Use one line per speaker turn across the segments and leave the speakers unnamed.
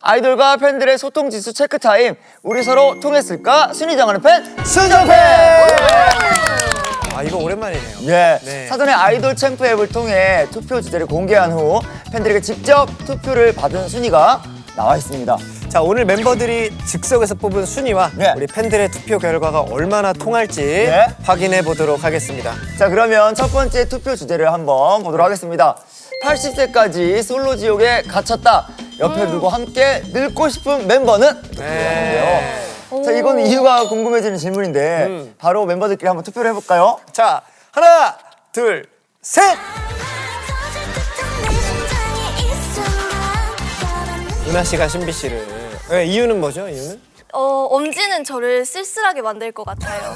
아이돌과 팬들의 소통 지수 체크 타임. 우리 서로 통했을까? 순위 정하는 팬 순정팬.
아 이거 오랜만이네요.
예.
네.
사전에 아이돌 챔프 앱을 통해 투표 주제를 공개한 후 팬들에게 직접 투표를 받은 순위가 나와 있습니다.
자 오늘 멤버들이 즉석에서 뽑은 순위와
네.
우리 팬들의 투표 결과가 얼마나 통할지
네.
확인해 보도록 하겠습니다.
자, 그러면 첫 번째 투표 주제를 한번 보도록 하겠습니다. 80세까지 솔로 지옥에 갇혔다. 옆에 두고 함께 늙고 싶은 멤버는?
네.
자, 이건 이유가 궁금해지는 질문인데 바로 멤버들끼리 한번 투표를 해볼까요?
자 하나 둘 셋. 은하 씨가 신비 씨를. 네, 이유는 뭐죠? 이유는?
엄지는 저를 쓸쓸하게 만들 것 같아요.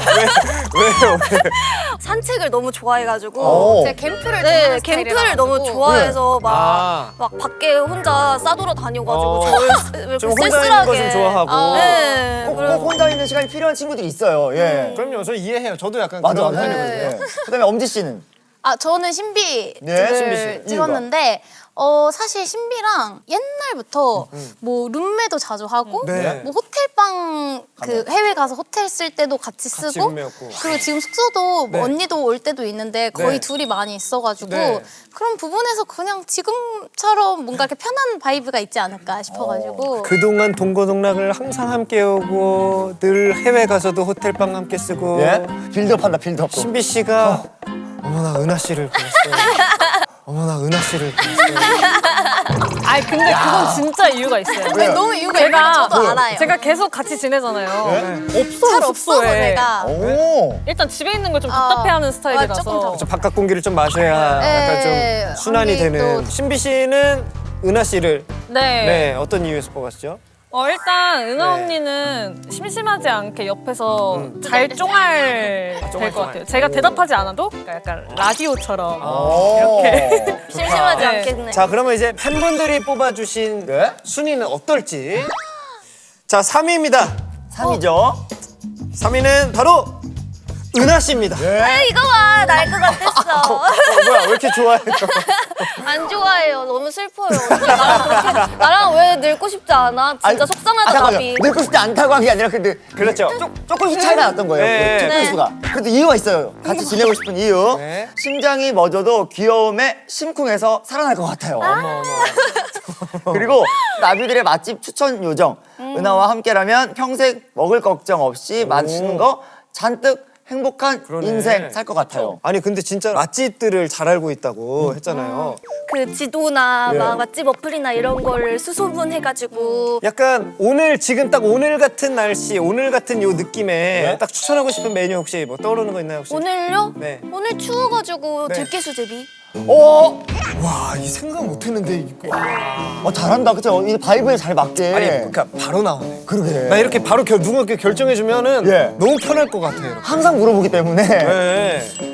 왜요?
산책을 너무 좋아해가지고
오.
제가 캠프를
네,
좋아하는
캠프를
스타일이라가지고.
너무 좋아해서
아.
막 밖에 혼자 싸돌아 다녀가지고 저를
좀
이렇게
혼자 있는 거 좀
쓸쓸하게.
좋아하고.
네,
꼭
그래서
혼자 있는 시간이 필요한 친구들이 있어요. 예.
그럼요. 저 이해해요. 저도 약간
맞아.
그런
네.
편이거든요.
네. 그다음에 엄지 씨는?
아 저는 신비를
네, 신비 씨.
찍었는데 사실 신비랑 옛날부터 뭐 룸메도 자주 하고
네.
뭐 호텔방 그 해외 가서 호텔 쓸 때도 같이 쓰고
룸메였고.
그리고 지금 숙소도 뭐
네.
언니도 올 때도 있는데 거의
네.
둘이 많이 있어가지고
네.
그런 부분에서 그냥 지금처럼 뭔가 이렇게 편한 바이브가 있지 않을까 싶어가지고
그동안 동고동락을 항상 함께 오고 늘 해외 가서도 호텔방 함께 쓰고
예? 빌드업한다, 빌드업.
신비 씨가 어머나 은하 씨를 보냈어요. 어머나 은하 씨를 보냈어요.
아니 근데 그건 진짜 이유가 있어요.
왜요?
너무 이유가 있는 저도 알아요.
제가 계속 같이 지내잖아요.
네?
없어요
잘 없어서
숙소에.
내가
오.
일단 집에 있는 걸 좀 답답해하는 스타일이라서.
조금
좀 바깥 공기를 좀 마셔야 약간
네.
좀 순환이
언니
되는.
또-
신비 씨는 은하 씨를
네.
네 어떤 이유에서 뽑았죠?
일단 은하
네.
언니는 심심하지 않게 옆에서 잘 쫑알 될 것 같아요. 제가 대답하지 않아도 그러니까 약간 라디오처럼 이렇게.
심심하지
네.
않겠네.
자 그러면 이제 팬분들이 뽑아주신
네?
순위는 어떨지. 자 3위입니다.
3위죠.
3위는 바로 은하 씨입니다.
이거 봐, 날 것 같았어.
뭐야 왜 이렇게 좋아해요?
안 좋아해요. 너무 슬퍼요. 나랑 왜 늙고 싶지 않아? 진짜 속상하다,
잠깐만요.
답이.
늙고 싶지 않다고 한 게 아니라 근데
그렇죠.
조금씩 차이가 났던 거예요.
네.
그 투표 수가. 그래도 이유가 있어요. 같이 지내고 싶은 이유.
네.
심장이 멎어도 귀여움에 심쿵해서 살아날 것 같아요. 그리고 나비들의 맛집 추천 요정. 은하와 함께라면 평생 먹을 걱정 없이 맛있는 거 잔뜩 행복한
그러네.
인생 살 것 같아요.
아니 근데 진짜 맛집들을 잘 알고 있다고 했잖아요.
그 지도나
예.
막 맛집 어플이나 이런 거를 수소문해가지고
약간 오늘 지금 딱 오늘 같은 날씨, 오늘 같은 요 느낌에
네?
딱 추천하고 싶은 메뉴 혹시 뭐 떠오르는 거 있나요 혹시?
오늘요?
네.
오늘 추워가지고
네.
들깨수제비.
오!
와, 이 생각 못했는데 이거.
잘한다. 그쵸? 이 바이브에 잘 맞게.
아니 그러니까 바로 나오네.
그러게.
나 이렇게 바로 누군가 결정해 주면은
예.
너무 편할 것 같아요. 이렇게.
항상 물어보기 때문에.
네.